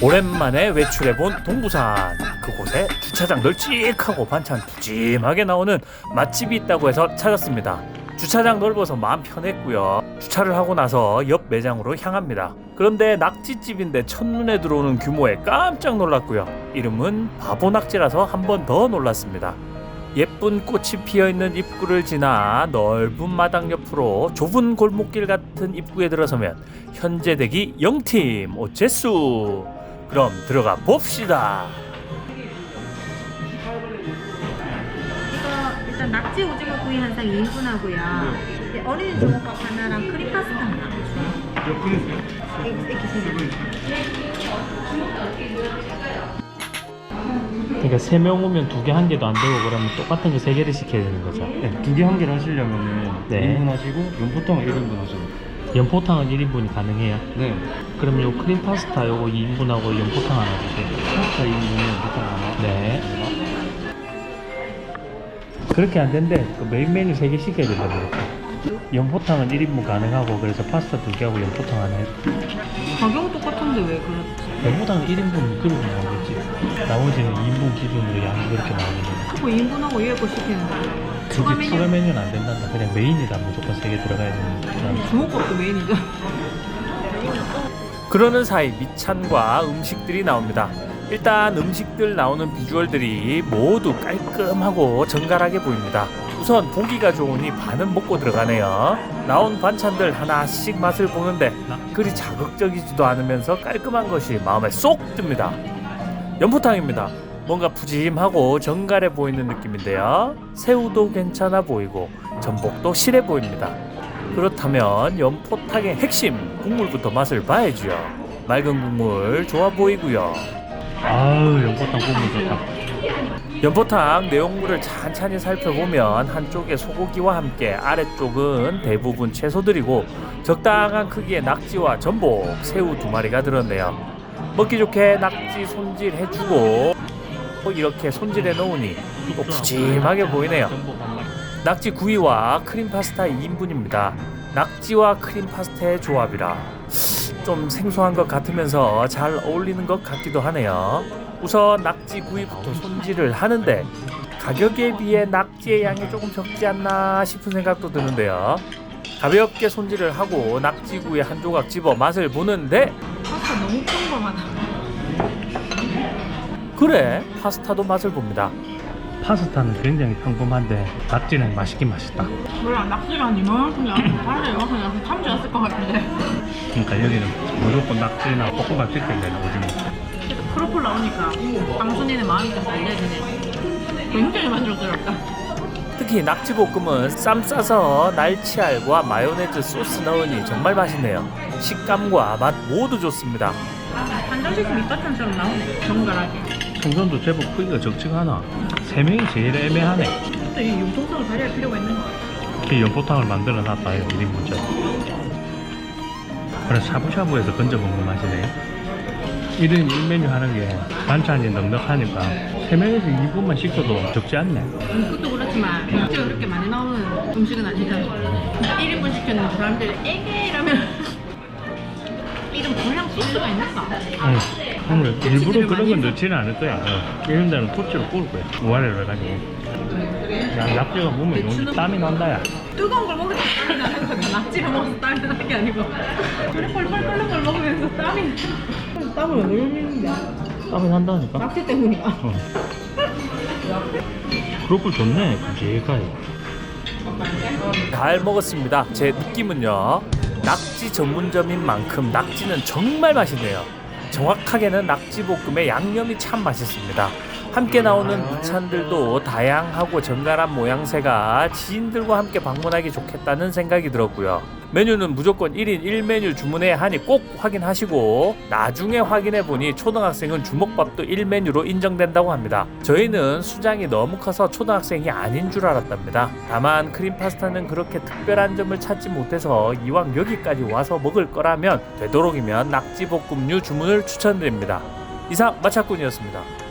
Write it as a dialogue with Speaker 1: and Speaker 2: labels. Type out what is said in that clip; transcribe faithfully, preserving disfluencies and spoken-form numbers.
Speaker 1: 오랜만에 외출해본 동부산. 그곳에 주차장 널찍하고 반찬 푸짐하게 나오는 맛집이 있다고 해서 찾았습니다. 주차장 넓어서 마음 편했고요. 주차를 하고 나서 옆 매장으로 향합니다. 그런데 낙지집인데 첫눈에 들어오는 규모에 깜짝 놀랐고요. 이름은 바보낙지라서 한 번 더 놀랐습니다. 예쁜 꽃이 피어있는 입구를 지나 넓은 마당 옆으로 좁은 골목길 같은 입구에 들어서면 현재 대기 영 팀 오체수. 그럼 들어가 봅시다.
Speaker 2: 이거 일단 낙지 오징어 구이 한 상 이 인분 하고요. 네, 어린이 주먹밥 하나랑 크림 파스타 하나. 이렇게 세 개.
Speaker 1: 그러니까 세 명 오면 두 개 한 개도 안 되고 그러면 똑같은 거 세 개를 시켜야 되는 거죠.
Speaker 3: 네, 두 개 한 개를 하시려면은
Speaker 1: 네.
Speaker 3: 일 인분 하시고 연포탕을 일 인분 하시고.
Speaker 1: 연포탕은 일 인분이 가능해요?
Speaker 3: 네.
Speaker 1: 그럼 요 크림 파스타 요거 이 인분하고 연포탕 하나 주세요.
Speaker 3: 파스타 이 인분에 연포탕 하나.
Speaker 1: 네. 그렇게 안 된대. 그 메인 메뉴 세 개 시켜야 된다고. 연포탕은 일 인분 가능하고 그래서 파스타 두 개하고 연포탕 하나 해.
Speaker 2: 가격 똑같은데 왜 그렇지?
Speaker 1: 연포탕은 일 인분 그렇게 나오겠지. 나머지는 이 인분 기준으로 양이 그렇게 나오는
Speaker 2: 뭐 이 인분하고 위에 거 시키는 거예요. 추가
Speaker 1: 그게
Speaker 2: 메뉴.
Speaker 1: 추가 메뉴는 안 된단다. 그냥 메인이다. 무조건 세 개 들어가야 되는.
Speaker 2: 주먹밥도 메인이죠.
Speaker 1: 그러는 사이 밑찬과 음식들이 나옵니다. 일단 음식들 나오는 비주얼들이 모두 깔끔하고 정갈하게 보입니다. 우선 보기가 좋으니 반은 먹고 들어가네요. 나온 반찬들 하나씩 맛을 보는데 그리 자극적이지도 않으면서 깔끔한 것이 마음에 쏙 듭니다. 연포탕입니다. 뭔가 푸짐하고 정갈해 보이는 느낌인데요. 새우도 괜찮아 보이고 전복도 실해 보입니다. 그렇다면 연포탕의 핵심 국물부터 맛을 봐야죠. 맑은 국물 좋아 보이고요. 아우, 연포탕 국물 좋다. 연포탕 내용물을 찬찬히 살펴보면 한쪽에 소고기와 함께 아래쪽은 대부분 채소들이고 적당한 크기의 낙지와 전복, 새우 두 마리가 들었네요. 먹기 좋게 낙지 손질 해주고 이렇게 손질해 놓으니 또 푸짐하게 보이네요. 낙지 구이와 크림 파스타 이 인분입니다. 낙지와 크림 파스타의 조합이라 좀 생소한 것 같으면서 잘 어울리는 것 같기도 하네요. 우선 낙지 구이부터 손질을 하는데 가격에 비해 낙지의 양이 조금 적지 않나 싶은 생각도 드는데요. 가볍게 손질을 하고 낙지 구이 한 조각 집어 맛을 보는데
Speaker 2: 파스타 너무 평범하다.
Speaker 1: 그래, 파스타도 맛을 봅니다. 파스타는 굉장히 평범한데 낙지는 맛있긴 맛있다.
Speaker 2: 몰라, 낙지가 이만큼 다른 이만큼 참지 않을 것 같은데.
Speaker 1: 그러니까 여기는 무조건 낙지나 볶음밥 시켜야 되는 오징어.
Speaker 2: 그래도 크로플 나오니까 방순이는 마음이 좀 달래지네. 굉장히 만족스럽다.
Speaker 1: 특히 낙지볶음은 쌈 싸서 날치알과 마요네즈 소스 넣으니 정말 맛있네요. 식감과 맛 모두 좋습니다.
Speaker 2: 한정식 밑반찬처럼 나오네. 정갈하게.
Speaker 1: 생선도 제법 크기가 적지가 않아. 세 명이 제일 애매하네.
Speaker 2: 근데 이 융통성을 발휘할 필요가 있는 것 같아.
Speaker 1: 이 연포탕을 만들어 놨다 일 인분짜리. 그래 샤브샤브에서 건져 먹는 맛이네. 일 인 일 메뉴 하는 게 반찬이 넉넉하니까 세 명에서 이 인분만 시켜도 적지 않네.
Speaker 2: 음, 그것도 그렇지만 낙지가 그렇게 많이 나오는 음식은 아니잖아. 일 인분 시켰는 사람들이 에게 이러면 이런 불량 소스가 있는가?
Speaker 1: 응. 오늘 일부러 그런 건 넣지는 않을 거야. 어. 이런 데는 토치로 구울 거야. 우아래로 해가지고. 야, 낙지가 몸에 용지 땀이 난다야.
Speaker 2: 뜨거운 걸 먹으면 땀이 나는 거지. 낙지를 먹어서 땀이 나는 게 아니고 그래 펄펄 끓는 걸 먹으면서 땀이 땀을 왜 흘리는데?
Speaker 1: 땀이 난다니까.
Speaker 2: 낙지 때문이야.
Speaker 1: 어. 크로플 좋네. 굵직하게. 잘 먹었습니다. 제 느낌은요. 낙지 전문점인 만큼 낙지는 정말 맛있네요. 정확하게는 낙지볶음의 양념이 참 맛있습니다. 함께 나오는 무찬들도 다양하고 정갈한 모양새가 지인들과 함께 방문하기 좋겠다는 생각이 들었고요. 메뉴는 무조건 일 인 일 메뉴 주문해야 하니 꼭 확인하시고 나중에 확인해보니 초등학생은 주먹밥도 일 메뉴로 인정된다고 합니다. 저희는 수장이 너무 커서 초등학생이 아닌 줄 알았답니다. 다만 크림 파스타는 그렇게 특별한 점을 찾지 못해서 이왕 여기까지 와서 먹을 거라면 되도록이면 낙지볶음류 주문을 추천드립니다. 이상 마차꾼이었습니다.